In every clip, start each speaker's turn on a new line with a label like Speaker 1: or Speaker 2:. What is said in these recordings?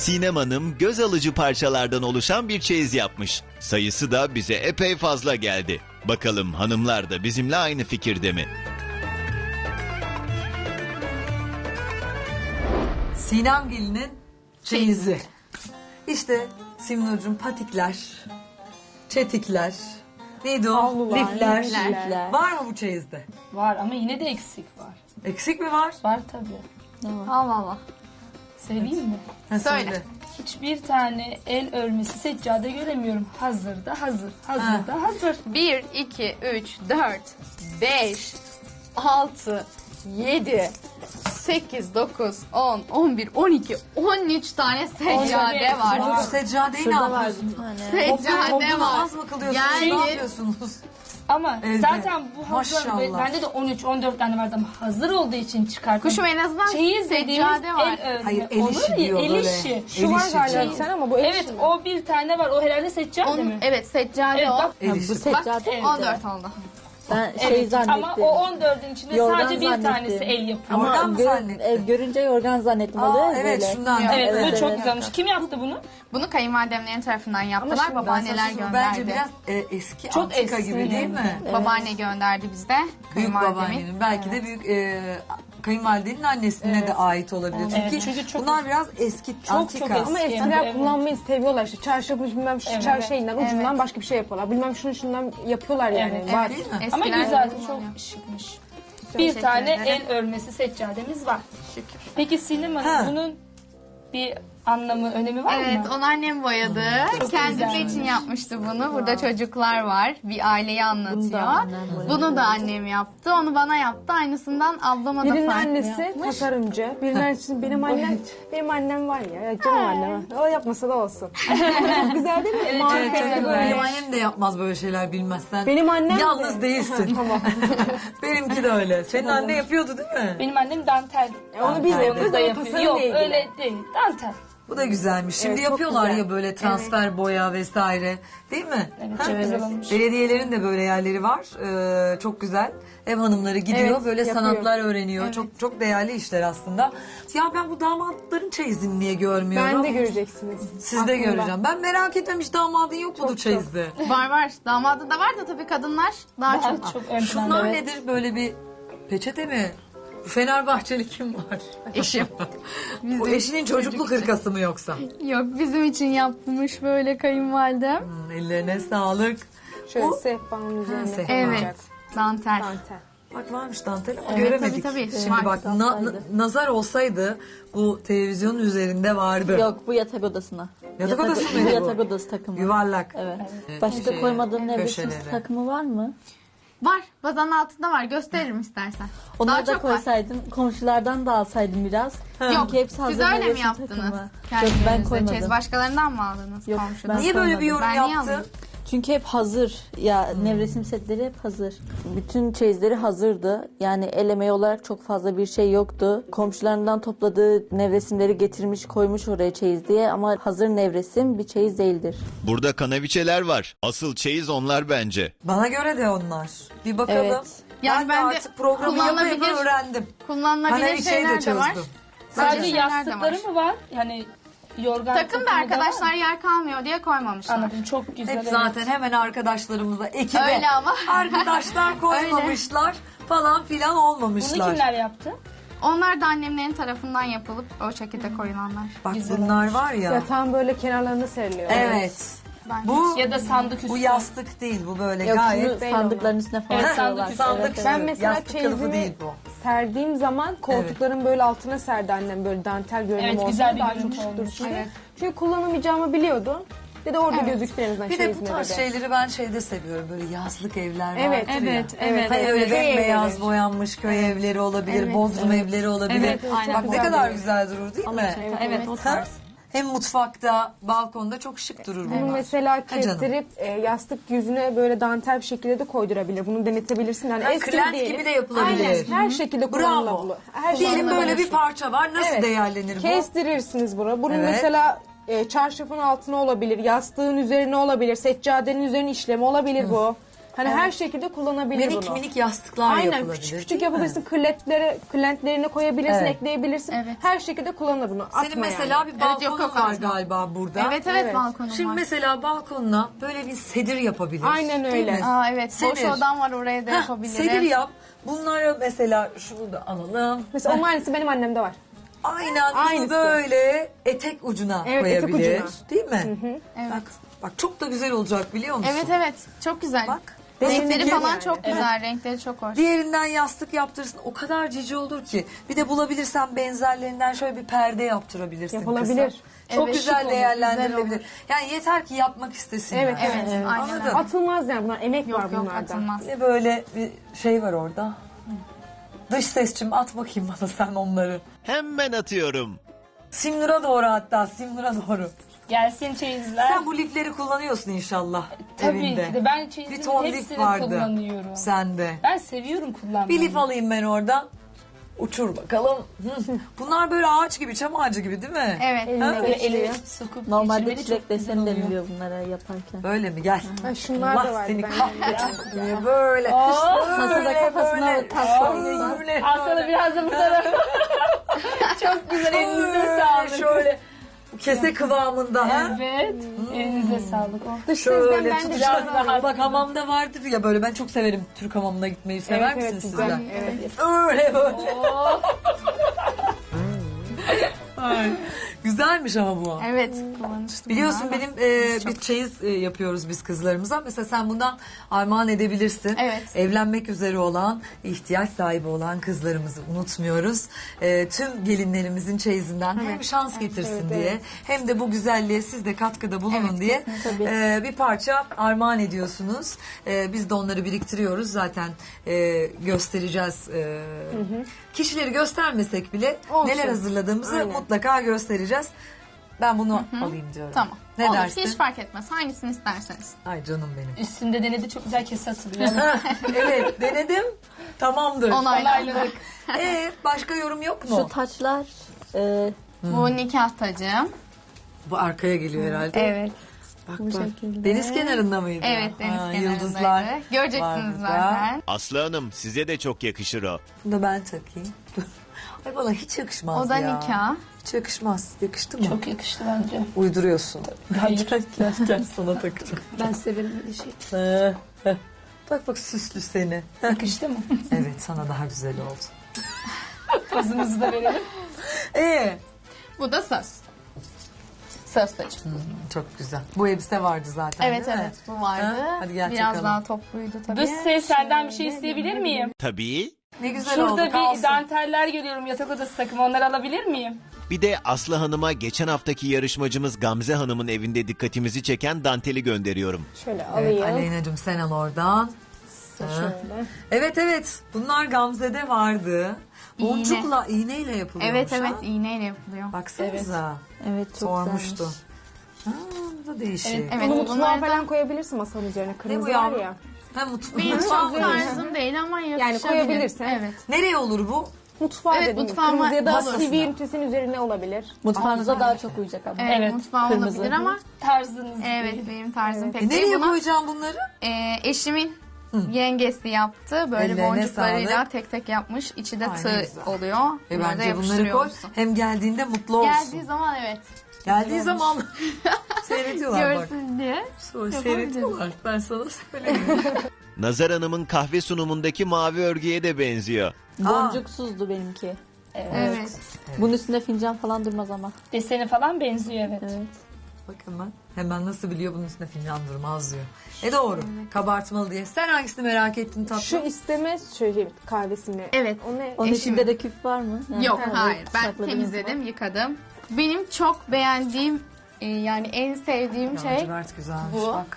Speaker 1: Sinem Hanım göz alıcı parçalardan oluşan bir çeyiz yapmış. Sayısı da bize epey fazla geldi. Bakalım hanımlar da bizimle aynı fikirde mi?
Speaker 2: Sinem Gelin'in çeyizi. İşte Simnur'cum patikler, çetikler, neydi o?
Speaker 3: Havlular,
Speaker 2: Lifler.
Speaker 3: lifler.
Speaker 2: Var mı bu çeyizde?
Speaker 4: Var ama yine de eksik var.
Speaker 2: Eksik mi var?
Speaker 4: Var tabii.
Speaker 5: Allah Allah.
Speaker 4: Söyleyeyim mi?
Speaker 2: Ha,
Speaker 5: Söyle.
Speaker 4: Hiçbir tane el örmesi seccade göremiyorum. Hazırda hazır. Hazırda hazır.
Speaker 5: 1, 2, 3, 4, 5, 6, 7, 8, 9, 10, 11, 12, 13 tane seccade var.
Speaker 2: Bu seccadeyi ne
Speaker 3: Şurada var
Speaker 2: yapıyorsun?
Speaker 3: bir tane.
Speaker 5: Seccade
Speaker 2: Topluluğu
Speaker 5: var.
Speaker 2: az mı kılıyorsunuz?
Speaker 5: Yani-
Speaker 2: Ne yapıyorsunuz?
Speaker 4: Ama
Speaker 2: Evet.
Speaker 4: zaten bu hazır.
Speaker 2: Maşallah.
Speaker 4: Bende de 13-14 tane vardı ama hazır olduğu için çıkarttım.
Speaker 5: Kuşum en azından
Speaker 4: Çeyiz dediğimiz
Speaker 5: seccade var.
Speaker 4: el örme.
Speaker 2: Hayır, el
Speaker 4: Olur
Speaker 2: işi
Speaker 4: ya,
Speaker 2: diyor
Speaker 4: el
Speaker 2: böyle.
Speaker 4: işi.
Speaker 2: El
Speaker 3: Şu var
Speaker 2: işi
Speaker 3: galiba
Speaker 2: diyor.
Speaker 3: bir tane ama bu el
Speaker 4: Evet
Speaker 3: işi mi?
Speaker 4: o bir tane var. O herhalde seccade mi?
Speaker 5: Evet seccade
Speaker 4: Evet,
Speaker 5: o.
Speaker 4: bak.
Speaker 2: El
Speaker 3: Ha,
Speaker 2: işi.
Speaker 3: bu seccade
Speaker 4: evet.
Speaker 3: mi?
Speaker 5: 14 oldu.
Speaker 3: Ben şey
Speaker 4: Evet,
Speaker 3: zannettim.
Speaker 4: ama o 14'ün içinde
Speaker 3: Yorgan
Speaker 4: sadece bir
Speaker 3: zannettim.
Speaker 4: tanesi el yapıyor.
Speaker 3: Ama
Speaker 2: Yorgan mı zannettin?
Speaker 3: görünce yorgan zannettim. Oluyor ya
Speaker 2: Evet
Speaker 3: böyle.
Speaker 2: şundan.
Speaker 4: Evet, bu çok güzelmiş. Kim yaptı bunu?
Speaker 5: Bunu kayınvalidemlerin tarafından yaptılar.
Speaker 3: şimdi ben
Speaker 5: Babaanneler
Speaker 2: Bence
Speaker 5: gönderdi.
Speaker 2: biraz eski
Speaker 4: Çok
Speaker 2: antika
Speaker 4: eski.
Speaker 2: gibi değil mi?
Speaker 5: Babaanne gönderdi bizde.
Speaker 2: Büyük
Speaker 5: Kayınvalidemin.
Speaker 2: babaannenin. Belki de büyük kayınvalidenin annesine de ait olabilir. Çünkü,
Speaker 4: Evet, çünkü çok
Speaker 2: bunlar biraz eski, antika.
Speaker 4: eski.
Speaker 3: Ama eskiler
Speaker 4: Evet.
Speaker 3: kullanmayı seviyorlar işte. Çarşafı bilmem şu
Speaker 4: Evet.
Speaker 3: şeyinden ucundan başka bir şey yapıyorlar. Bilmem şundan yapıyorlar yani.
Speaker 4: Evet,
Speaker 3: Var.
Speaker 2: Değil mi?
Speaker 4: Ama
Speaker 5: Eskiler
Speaker 4: güzel,
Speaker 5: kullanıyor.
Speaker 4: çok şıkmış. Bir
Speaker 5: Teşekkür
Speaker 4: tane
Speaker 5: ederim.
Speaker 4: el örmesi seccademiz var.
Speaker 5: Şükür.
Speaker 4: Peki Sinem
Speaker 2: Ha.
Speaker 4: Hanım bunun bir anlamı, önemi var
Speaker 5: Evet,
Speaker 4: mı?
Speaker 5: onu annem boyadı. Kendisi
Speaker 4: güzelmiş.
Speaker 5: için yapmıştı bunu. Burada çocuklar var. Bir aileyi anlatıyor.
Speaker 3: annem boyadı.
Speaker 5: Bunu da annem yaptı. Onu bana yaptı. Aynısından ablama da
Speaker 3: Birinin
Speaker 5: farklı
Speaker 3: annesi
Speaker 5: yapmış.
Speaker 3: tasarımcı, birinin annesi benim annem var ya canım annem. O yapmasa da olsun. Çok güzel değil mi?
Speaker 4: Evet,
Speaker 3: Marka
Speaker 4: evet,
Speaker 3: böyle.
Speaker 4: evet.
Speaker 2: Benim annem de yapmaz böyle şeyler bilmezsen.
Speaker 3: Benim annem
Speaker 2: Yalnız
Speaker 3: de.
Speaker 2: değilsin.
Speaker 3: Tamam.
Speaker 2: Benimki de öyle. Senin anne yapıyordu değil mi?
Speaker 4: Benim annem dantel.
Speaker 3: Onu bilmiyorum.
Speaker 4: Onu da yapıyor.
Speaker 3: Tasarım
Speaker 4: Yok
Speaker 3: değil.
Speaker 4: öyle değil. Dantel.
Speaker 2: Bu da güzelmiş. Şimdi
Speaker 3: Evet, çok
Speaker 2: yapıyorlar
Speaker 3: güzel.
Speaker 2: ya böyle transfer boya vesaire. Değil mi?
Speaker 4: Evet,
Speaker 2: Ha?
Speaker 4: çok güzel olmuş.
Speaker 2: Belediyelerin de böyle yerleri var. Çok güzel. Ev hanımları gidiyor
Speaker 3: Evet,
Speaker 2: böyle
Speaker 3: yapıyor.
Speaker 2: sanatlar öğreniyor. Çok çok değerli işler aslında. Ya ben bu damatların çeyizini niye görmüyorum?
Speaker 3: Ben de göreceksiniz.
Speaker 2: Siz de
Speaker 3: Aklımda.
Speaker 2: göreceğim. Ben merak ettim hiç damadın yok mudur çeyizde?
Speaker 5: Var var. Damadı da var da tabii kadınlar daha çok.
Speaker 4: Çok ön
Speaker 2: Şunlar
Speaker 4: planda.
Speaker 2: nedir böyle bir peçete mi? Fenerbahçeli kim var?
Speaker 5: Eşim.
Speaker 2: O eşinin çocukluk hırkası mı yoksa?
Speaker 5: Yok bizim için yapmış böyle kayınvalidem.
Speaker 2: Ellerine sağlık.
Speaker 3: Şöyle
Speaker 2: O-
Speaker 3: sehpanın üzerine
Speaker 2: sehpa.
Speaker 3: konacak.
Speaker 5: Evet. Dantel.
Speaker 3: Dantel.
Speaker 2: Bak varmış dantel ama
Speaker 5: Evet,
Speaker 2: göremedik.
Speaker 5: tabii, tabii.
Speaker 2: Şimdi
Speaker 5: Var.
Speaker 2: bak nazar olsaydı bu televizyonun üzerinde vardı.
Speaker 3: Yok bu yatak odasına.
Speaker 2: Yatak odası mıydı bu?
Speaker 3: Yatak odası takımı.
Speaker 2: Yuvarlak.
Speaker 3: Evet. Başka
Speaker 2: Şey,
Speaker 3: koymadığın nevresim
Speaker 2: köşeleri.
Speaker 3: takımı var mı?
Speaker 5: Var. Bazanın altında var. Gösteririm istersen.
Speaker 3: Onları
Speaker 5: Daha
Speaker 3: da
Speaker 5: çok var.
Speaker 3: koysaydın, komşulardan da alsaydın biraz.
Speaker 5: Yok.
Speaker 3: Çünkü hepsi hazır
Speaker 5: Siz öyle mi
Speaker 3: nevresim
Speaker 5: yaptınız?
Speaker 3: takımı. Yok
Speaker 5: Kendinize
Speaker 3: ben koymadım.
Speaker 5: çeyiz. Başkalarından mı aldınız
Speaker 3: Yok,
Speaker 5: komşudan?
Speaker 3: ben
Speaker 2: Niye böyle bir yorum
Speaker 5: Ben niye
Speaker 2: yaptın?
Speaker 5: almadım?
Speaker 3: Çünkü hep hazır. Ya nevresim setleri hep hazır. Bütün çeyizleri hazırdı. Yani el emeği olarak çok fazla bir şey yoktu. Komşularından topladığı nevresimleri getirmiş koymuş oraya çeyiz diye ama hazır nevresim bir çeyiz değildir.
Speaker 1: Burada kanaviçeler var. Asıl çeyiz onlar bence.
Speaker 2: Bana göre de onlar. Bir bakalım.
Speaker 3: Evet.
Speaker 5: Yani
Speaker 2: ben de
Speaker 5: ben de
Speaker 2: artık programı yapa yapa
Speaker 5: kullanılabilir-
Speaker 2: öğrendim.
Speaker 5: Kullanılabilir
Speaker 2: Kanaviçeyi de
Speaker 5: şeyler de var.
Speaker 2: çözdüm.
Speaker 4: Sadece
Speaker 5: Böyle şeyler de
Speaker 4: yastıkları
Speaker 5: var.
Speaker 4: mı var? Yani yorgan
Speaker 5: Takım da
Speaker 4: takımı
Speaker 5: arkadaşlar
Speaker 4: var.
Speaker 5: yer kalmıyor diye koymamışlar.
Speaker 4: Anladım, çok güzel.
Speaker 2: Hep
Speaker 4: evet.
Speaker 2: zaten hemen arkadaşlarımıza, ekibe,
Speaker 5: Öyle ama.
Speaker 2: arkadaşlar koymamışlar falan filan
Speaker 4: Bunu
Speaker 2: olmamışlar.
Speaker 4: kimler yaptı?
Speaker 5: Onlar da annemlerin tarafından yapılıp o şekilde koyulanlar.
Speaker 2: Bak
Speaker 4: Güzel
Speaker 2: bunlar var ya.
Speaker 3: Yatağın böyle kenarlarına seriliyor.
Speaker 2: Evet.
Speaker 5: Ben
Speaker 2: Bu
Speaker 4: Ya da sandık üstü.
Speaker 2: bu yastık değil, bu böyle
Speaker 3: Yok
Speaker 2: gayet
Speaker 3: şunu sandıkların üstüne falan
Speaker 4: Evet,
Speaker 3: koyuyorlar.
Speaker 4: sandık üstü.
Speaker 3: Ben mesela
Speaker 2: yastık kılıfı
Speaker 3: çeyizimi
Speaker 2: değil bu.
Speaker 3: serdiğim zaman koltukların böyle altına serdi annem böyle dantel görünümü
Speaker 4: Evet,
Speaker 3: olsun.
Speaker 4: güzel bir
Speaker 3: daha
Speaker 4: görüntü
Speaker 3: çok şık
Speaker 4: olmuş.
Speaker 3: dursun diye.
Speaker 5: Evet.
Speaker 3: Çünkü kullanamayacağımı biliyordum. Dedi orada gözüksün en azından
Speaker 2: Bir de bu
Speaker 3: çeyizine
Speaker 2: tarz
Speaker 3: dedi.
Speaker 2: şeyleri ben şeyde seviyorum. Böyle yazlık evler
Speaker 3: Evet,
Speaker 2: vardır ya.
Speaker 5: evet,
Speaker 2: Hani öyle
Speaker 3: Köy
Speaker 2: bembeyaz
Speaker 3: evleri.
Speaker 2: boyanmış köy evleri olabilir, bodrum evleri olabilir.
Speaker 5: Evet, aynen.
Speaker 2: Bak
Speaker 5: Çok
Speaker 2: ne
Speaker 3: güzel
Speaker 2: kadar
Speaker 3: duruyor.
Speaker 2: güzel durur değil mi?
Speaker 5: Evet, o
Speaker 2: Ha?
Speaker 5: tarz.
Speaker 2: Hem mutfakta, balkonda çok şık durur bunlar.
Speaker 3: Bunu mesela
Speaker 2: Ha canım.
Speaker 3: kestirip yastık yüzüne böyle dantel bir şekilde de koydurabilir. Bunu denetebilirsin. Yani
Speaker 2: Ha,
Speaker 3: eski
Speaker 2: kırlent
Speaker 3: diyelim.
Speaker 2: gibi de yapılabilir.
Speaker 3: Aynen. Her şekilde
Speaker 2: Bravo.
Speaker 3: kullanılabilir. Her
Speaker 2: Diyelim
Speaker 3: şekilde
Speaker 2: böyle bir
Speaker 3: kullanılır.
Speaker 2: parça var. Nasıl
Speaker 3: Evet.
Speaker 2: değerlenir bu?
Speaker 3: Kestirirsiniz bunu. Bunun
Speaker 2: Evet.
Speaker 3: mesela çarşafın altına olabilir, yastığın üzerine olabilir, seccadenin üzerine işlemi olabilir bu.
Speaker 6: Hani her şekilde kullanabilir
Speaker 2: Minik
Speaker 6: bunu.
Speaker 2: minik yastıklar
Speaker 6: Aynen
Speaker 2: yapılabilir.
Speaker 6: küçük
Speaker 2: değil
Speaker 6: küçük
Speaker 2: mi?
Speaker 6: yapabilirsin. Kırlentlerine koyabilirsin,
Speaker 2: Evet.
Speaker 6: ekleyebilirsin.
Speaker 5: Evet.
Speaker 6: Her şekilde kullanılır bunu. Atma
Speaker 2: Senin mesela
Speaker 6: yani.
Speaker 2: bir
Speaker 5: Evet,
Speaker 2: balkonun
Speaker 5: yok, yok,
Speaker 2: var
Speaker 5: atma.
Speaker 2: galiba burada.
Speaker 5: Evet evet,
Speaker 6: Evet.
Speaker 5: balkonum
Speaker 2: Şimdi
Speaker 5: var.
Speaker 2: mesela balkonuna böyle bir sedir yapabilir.
Speaker 6: Aynen
Speaker 2: Değil
Speaker 6: öyle.
Speaker 2: mi?
Speaker 5: Aa evet, boş
Speaker 2: Sedir.
Speaker 5: odam var, oraya da
Speaker 2: Heh,
Speaker 5: yapabilirim.
Speaker 2: sedir yap. Bunları mesela şunu da alalım.
Speaker 6: Mesela onun aynısı benim annemde var.
Speaker 2: Aynen bunu
Speaker 6: Aynısı.
Speaker 2: böyle etek ucuna
Speaker 6: Evet, etek
Speaker 2: koyabilir.
Speaker 6: ucuna.
Speaker 2: Değil mi?
Speaker 5: Evet.
Speaker 2: Bak çok da güzel olacak biliyor musun?
Speaker 5: Evet evet, çok güzel.
Speaker 2: Bak.
Speaker 5: Renkleri
Speaker 2: Benimki
Speaker 5: falan
Speaker 6: yani.
Speaker 5: çok güzel, renkleri çok hoş.
Speaker 2: Diğerinden yastık yaptırırsın. O kadar cici olur ki. Bir de bulabilirsen benzerlerinden şöyle bir perde yaptırabilirsin.
Speaker 6: Yapılabilir.
Speaker 2: kısa. Çok
Speaker 5: Evet,
Speaker 2: güzel
Speaker 5: şık olur,
Speaker 2: değerlendirilebilir.
Speaker 5: güzel olur.
Speaker 2: Yani yeter ki yapmak istesin.
Speaker 6: Evet,
Speaker 2: yani.
Speaker 5: Evet, aynen
Speaker 2: Anladın?
Speaker 5: öyle.
Speaker 6: Atılmaz yani bunlar. Emek var
Speaker 5: Yok yok,
Speaker 6: bunlarda.
Speaker 5: atılmaz.
Speaker 2: Bir de böyle bir şey var orada. Dış sesçim at bakayım bana sen onları.
Speaker 1: Hemen atıyorum.
Speaker 2: Simnur'a doğru hatta Simnur'a doğru.
Speaker 4: Gelsin çeyizler.
Speaker 2: Sen bu lifleri kullanıyorsun inşallah
Speaker 4: Tabii
Speaker 2: evinde.
Speaker 4: ki de ben
Speaker 2: Bir
Speaker 4: çeyizimin
Speaker 2: ton lif
Speaker 4: hepsini
Speaker 2: vardı
Speaker 4: kullanıyorum.
Speaker 2: sende.
Speaker 4: Ben seviyorum kullanmayı.
Speaker 2: Bir lif alayım ben oradan. Uçur bakalım. Hı. Bunlar böyle ağaç gibi, çam ağacı gibi değil mi?
Speaker 5: Evet.
Speaker 4: Böyle eli sokup
Speaker 3: Normalde
Speaker 4: geçirmeli
Speaker 3: çilek
Speaker 4: çok güzel
Speaker 3: deseni de
Speaker 4: oluyor.
Speaker 3: biliyor bunlara yaparken.
Speaker 2: Öyle mi? Gel.
Speaker 6: Ha, şunlar da
Speaker 2: Allah
Speaker 6: var.
Speaker 2: seni
Speaker 6: Ben
Speaker 2: kahretsin diye böyle.
Speaker 3: Masada kafasına taş koyuyor.
Speaker 2: Böyle.
Speaker 4: Al sana biraz da bu tarafa. Çok güzel, elinize sağlık.
Speaker 2: Şöyle kese kıvamında. ha?
Speaker 4: Evet, elinize sağlık. Oh.
Speaker 6: dış sesden
Speaker 2: Şöyle
Speaker 6: ben de
Speaker 2: tutacağız.
Speaker 4: biraz rahat.
Speaker 2: Bak hamamda vardır ya böyle, ben çok severim Türk hamamına gitmeyi. Sever
Speaker 6: Evet,
Speaker 2: misiniz
Speaker 6: evet,
Speaker 2: sizler?
Speaker 6: güzel. Evet.
Speaker 2: Öyle böyle. Ay, güzelmiş ama bu.
Speaker 5: Evet, kullanışlı.
Speaker 2: Biliyorsun
Speaker 5: bunlar.
Speaker 2: benim bir çeyiz yapıyoruz biz kızlarımıza. Mesela sen bundan armağan edebilirsin.
Speaker 5: Evet.
Speaker 2: Evlenmek üzere olan, ihtiyaç sahibi olan kızlarımızı unutmuyoruz. Tüm gelinlerimizin çeyizinden hem şans getirsin
Speaker 6: evet,
Speaker 2: diye,
Speaker 6: evet.
Speaker 2: hem de bu güzelliğe siz de katkıda bulunun
Speaker 5: Evet,
Speaker 2: diye
Speaker 3: Tabii.
Speaker 2: bir parça armağan ediyorsunuz. Biz de onları biriktiriyoruz. Zaten göstereceğiz. Kişileri göstermesek bile
Speaker 6: Olsun.
Speaker 2: neler hazırladığımızı
Speaker 6: Aynen.
Speaker 2: mutlaka göstereceğiz. Ben bunu alayım diyorum.
Speaker 5: Tamam.
Speaker 2: Ne
Speaker 5: Olur,
Speaker 2: dersin?
Speaker 5: hiç fark etmez. Hangisini isterseniz.
Speaker 2: Ay canım benim.
Speaker 4: Üstünde denedi, çok güzel kese atılıyor.
Speaker 2: Evet denedim. Tamamdır.
Speaker 5: Onayladık.
Speaker 2: Başka yorum yok mu?
Speaker 3: Şu taçlar
Speaker 5: Bu nikah tacım.
Speaker 2: Bu arkaya geliyor herhalde.
Speaker 5: Evet.
Speaker 2: Bak
Speaker 3: bu
Speaker 2: bak.
Speaker 3: şekilde.
Speaker 2: Deniz kenarında mıydı?
Speaker 5: Evet, deniz kenarındaydı.
Speaker 2: Yıldızlar.
Speaker 5: Göreceksiniz
Speaker 2: var burada.
Speaker 5: zaten.
Speaker 1: Aslı Hanım size de çok yakışır o.
Speaker 2: Bunu da ben takayım. Dur. Ay bana hiç yakışmaz
Speaker 5: O da
Speaker 2: ya.
Speaker 5: nikah.
Speaker 2: Hiç yakışmaz. Yakıştı mı?
Speaker 4: Çok yakıştı bence.
Speaker 2: Uyduruyorsun.
Speaker 4: Hayır.
Speaker 2: Gel sana takacağım.
Speaker 4: Ben severim öyle şey.
Speaker 2: Bak bak süslü seni.
Speaker 4: Yakıştı mı?
Speaker 2: Evet sana daha güzel oldu.
Speaker 4: Kızınızı da verelim.
Speaker 5: Bu da söz. Söz tacım.
Speaker 2: Çok güzel. Bu elbise vardı zaten
Speaker 5: Evet
Speaker 2: değil mi?
Speaker 5: evet, bu vardı.
Speaker 2: Ha? Hadi gel
Speaker 5: Biraz
Speaker 2: takalım.
Speaker 5: daha topluydu tabii.
Speaker 4: Dış ses, senden bir şey isteyebilir miyim?
Speaker 1: Tabii.
Speaker 2: Ne güzel
Speaker 4: Şurada
Speaker 2: oldu.
Speaker 4: bir
Speaker 2: Kalsın.
Speaker 4: danteller görüyorum, yatak odası takımı. Onları alabilir miyim?
Speaker 1: Bir de Aslı Hanım'a geçen haftaki yarışmacımız Gamze Hanım'ın evinde dikkatimizi çeken danteli gönderiyorum.
Speaker 6: Şöyle
Speaker 2: Evet,
Speaker 6: alayım.
Speaker 2: Aleyna'cığım sen al oradan.
Speaker 6: Şöyle.
Speaker 2: Evet evet. Bunlar Gamze'de vardı. Boncukla, iğneyle yapılıyormuş.
Speaker 5: Evet
Speaker 2: ha?
Speaker 5: evet, iğneyle yapılıyor.
Speaker 2: Baksanıza.
Speaker 3: Evet çok
Speaker 2: Sormuştu.
Speaker 3: güzelmiş.
Speaker 2: Ha, bu da değişik.
Speaker 5: Evet,
Speaker 6: Bunu mutfağa
Speaker 5: bunlardan-
Speaker 6: falan koyabilirsin masanın üzerine. Kırmızı var
Speaker 2: yavrum?
Speaker 6: ya.
Speaker 2: Ha,
Speaker 5: Benim
Speaker 2: mutfağı
Speaker 5: çok
Speaker 2: mı?
Speaker 5: tarzım değil ama yakışabilir.
Speaker 6: koyabilirsin.
Speaker 5: Evet.
Speaker 2: Nereye olur bu?
Speaker 6: Mutfağa
Speaker 5: Evet,
Speaker 6: dedim.
Speaker 5: mutfağıma
Speaker 6: Kırmızı ya da
Speaker 5: olur.
Speaker 6: sivri ünitesinin üzerine olabilir.
Speaker 3: Mutfağınıza daha çok uyacak ama.
Speaker 5: Evet,
Speaker 4: Evet,
Speaker 5: mutfağı
Speaker 3: kırmızı.
Speaker 5: olabilir ama
Speaker 4: Tarzınız
Speaker 5: evet
Speaker 4: değil.
Speaker 5: benim tarzım pek
Speaker 2: Nereye
Speaker 5: değil. Buna
Speaker 2: koyacağım bunları?
Speaker 5: eşimin yengesi yaptı. Böyle
Speaker 2: Ellerine
Speaker 5: boncuklarıyla
Speaker 2: sağlık.
Speaker 5: tek tek yapmış. İçi de
Speaker 2: Ay, ne
Speaker 5: tığ
Speaker 2: güzel.
Speaker 5: oluyor. Bunları da
Speaker 2: Bence bunları koy.
Speaker 5: yapıştırıyorsun.
Speaker 2: Hem geldiğinde mutlu olsun.
Speaker 5: Geldiği zaman evet.
Speaker 2: Geldiği zaman seyrediyorlar bak.
Speaker 5: Görsün diye.
Speaker 2: Seyrediyorlar. Ben sana söyleyeyim.
Speaker 1: Nazar Hanım'ın kahve sunumundaki mavi örgüye de benziyor.
Speaker 3: Boncuksuzdu benimki.
Speaker 5: Evet.
Speaker 3: Bunun üstünde fincan falan durmaz ama.
Speaker 4: Deseni falan benziyor, evet.
Speaker 3: Evet.
Speaker 2: Bakın ben. Hemen nasıl biliyor bunun üstüne fincan durmaz diyor. Doğru. Kabartmalı diye. Sen hangisini merak ettin tatlım?
Speaker 6: Şu isteme şöyle kahvesini.
Speaker 5: Evet.
Speaker 6: O ne?
Speaker 3: Onun
Speaker 5: Eşimin.
Speaker 3: içinde de küp var mı? Yani
Speaker 5: Yok
Speaker 3: kendi
Speaker 5: hayır. Ben
Speaker 3: sakladığınız
Speaker 5: temizledim, yıkadım. Benim çok beğendiğim yani en sevdiğim şey
Speaker 2: Lacivert güzelmiş
Speaker 5: bu.
Speaker 2: bak.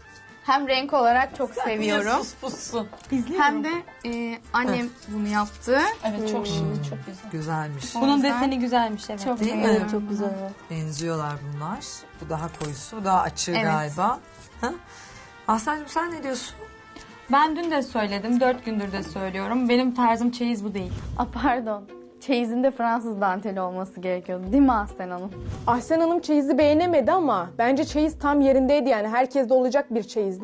Speaker 5: hem renk olarak çok seviyorum.
Speaker 2: Sus pussun.
Speaker 5: Hem de annem bunu yaptı.
Speaker 4: Evet, çok şirin, çok güzel.
Speaker 2: Güzelmiş.
Speaker 3: Bunun deseni güzelmiş evet.
Speaker 5: Çok
Speaker 2: Değil mi?
Speaker 5: beğendim.
Speaker 3: Evet çok güzel o.
Speaker 2: Benziyorlar bunlar. Bu daha koyusu, bu daha açığı
Speaker 5: Evet.
Speaker 2: galiba. Ha? Aslancığım sen ne diyorsun?
Speaker 7: Ben dün de söyledim, 4 gündür de söylüyorum. Benim tarzım çeyiz bu değil.
Speaker 5: Pardon. Çeyizinde Fransız danteli olması gerekiyordu. Değil mi Aslen Hanım?
Speaker 6: Ahsen Hanım çeyizi beğenemedi ama bence çeyiz tam yerindeydi yani. Herkeste olacak bir çeyizdi.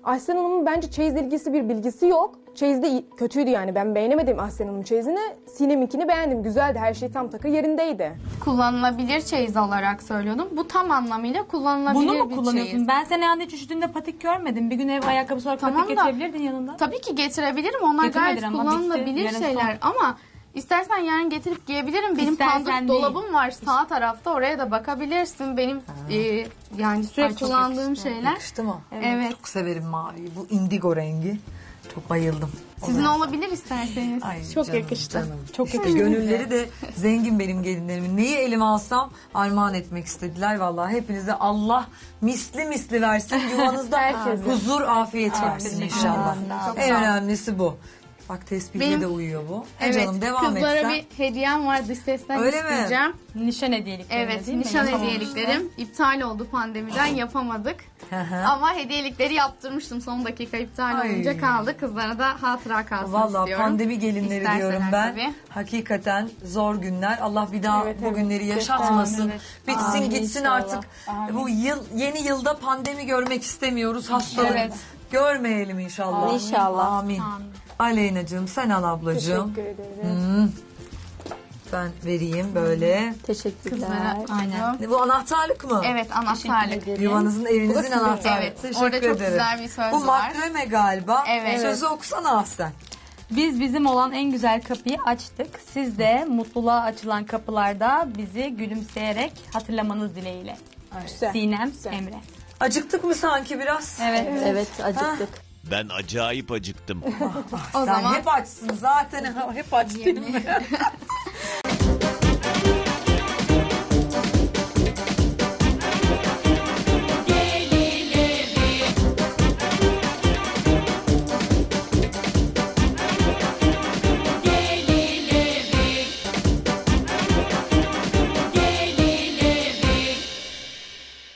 Speaker 6: Ahsen Hanım'ın bence çeyizle ilgisi bir bilgisi yok. Çeyiz de kötüydü yani. Ben beğenemedim Ahsen Hanım'ın çeyizini. Sinem'inkini beğendim. Güzeldi. Her şey tam takır yerindeydi.
Speaker 5: Kullanılabilir çeyiz olarak söylüyordum. Bu tam anlamıyla kullanılabilir
Speaker 7: Bunu mu
Speaker 5: bir
Speaker 7: kullanıyorsun?
Speaker 5: çeyiz.
Speaker 7: Ben seni yanında hiç üşüdüğünde patik görmedim. Bir gün ev ayakkabısı olarak
Speaker 5: Tamam
Speaker 7: patik
Speaker 5: da-
Speaker 7: getirebilirdin yanında.
Speaker 5: Tabii ki getirebilirim. Onlar
Speaker 7: Getirmedin
Speaker 5: gayet
Speaker 7: ama
Speaker 5: kullanılabilir
Speaker 7: bitti. Yarın
Speaker 5: şeyler. Ama istersen yarın getirip giyebilirim. Benim
Speaker 7: İstersen
Speaker 5: pandus
Speaker 7: değil.
Speaker 5: dolabım var sağ tarafta. Oraya da bakabilirsin. Benim yani sürekli
Speaker 7: çok
Speaker 5: kullandığım şeyler.
Speaker 2: Yakıştı mı?
Speaker 5: Evet.
Speaker 2: Çok severim maviyi. Bu indigo rengi. Çok bayıldım.
Speaker 5: Sizin olabilir isterseniz.
Speaker 2: Ay
Speaker 6: Çok
Speaker 2: canım,
Speaker 6: yakıştı.
Speaker 2: canım.
Speaker 7: Çok yakıştı.
Speaker 2: Gönülleri de zengin benim gelinlerimin. Neyi elime alsam armağan etmek istediler. Vallahi hepinize Allah misli misli versin. Yuvanızda
Speaker 6: Herkese.
Speaker 2: huzur, afiyet versin inşallah.
Speaker 5: Çok
Speaker 2: En
Speaker 5: sağ olun.
Speaker 2: önemlisi bu. Bak tespihle
Speaker 5: Benim-
Speaker 2: de uyuyor bu.
Speaker 5: Evet.
Speaker 2: Canım devam et
Speaker 5: Kızlara
Speaker 2: sen.
Speaker 5: bir hediyem var. Dış sesten
Speaker 2: Öyle mi?
Speaker 5: isteyeceğim.
Speaker 7: Nişan hediyelikleri
Speaker 5: Evet,
Speaker 7: değil mi?
Speaker 5: nişan
Speaker 7: Tamam.
Speaker 5: hediyeliklerim iptal oldu pandemiden yapamadık.
Speaker 2: Hı hı.
Speaker 5: Ama hediyelikleri yaptırmıştım. Son dakika iptal
Speaker 2: Ay.
Speaker 5: olunca kaldı. Kızlara da hatıra kalsın
Speaker 2: Vallahi
Speaker 5: istiyorum.
Speaker 2: pandemi gelinleri
Speaker 5: İsterseler
Speaker 2: diyorum ben.
Speaker 5: tabii.
Speaker 2: Hakikaten zor günler. Allah bir daha
Speaker 6: Evet,
Speaker 2: bu
Speaker 6: evet.
Speaker 2: günleri yaşatmasın.
Speaker 7: Amin, evet.
Speaker 2: Bitsin
Speaker 3: Amin
Speaker 2: gitsin
Speaker 3: inşallah.
Speaker 2: artık. Bu yeni yılda pandemi görmek istemiyoruz. Hastalık
Speaker 5: Evet.
Speaker 2: görmeyelim inşallah.
Speaker 3: İnşallah.
Speaker 2: Amin. Aleyna'cığım sen al ablacığım.
Speaker 6: Teşekkür ederim.
Speaker 2: Ben vereyim böyle.
Speaker 3: Teşekkürler.
Speaker 5: Kızlara aynen.
Speaker 2: Ne, bu anahtarlık mı?
Speaker 5: Evet, anahtarlık.
Speaker 2: Yuvanızın, evinizin anahtarlığı.
Speaker 5: Evet,
Speaker 2: Teşekkür
Speaker 5: orada çok
Speaker 2: ederim.
Speaker 5: güzel bir söz
Speaker 2: Bu
Speaker 5: var.
Speaker 2: makreme galiba.
Speaker 5: Evet.
Speaker 2: Sözü okusana Ahsen.
Speaker 7: Biz bizim olan en güzel kapıyı açtık. Siz de mutluluğa açılan kapılarda bizi gülümseyerek hatırlamanız dileğiyle.
Speaker 6: Güzel.
Speaker 7: Sinem Emre.
Speaker 2: Acıktık mı sanki biraz?
Speaker 7: Evet.
Speaker 3: Evet acıktık.
Speaker 1: Ben acayip acıktım.
Speaker 5: O
Speaker 2: Sen
Speaker 5: zaman
Speaker 2: hep açsın zaten. Hep aç değil mi?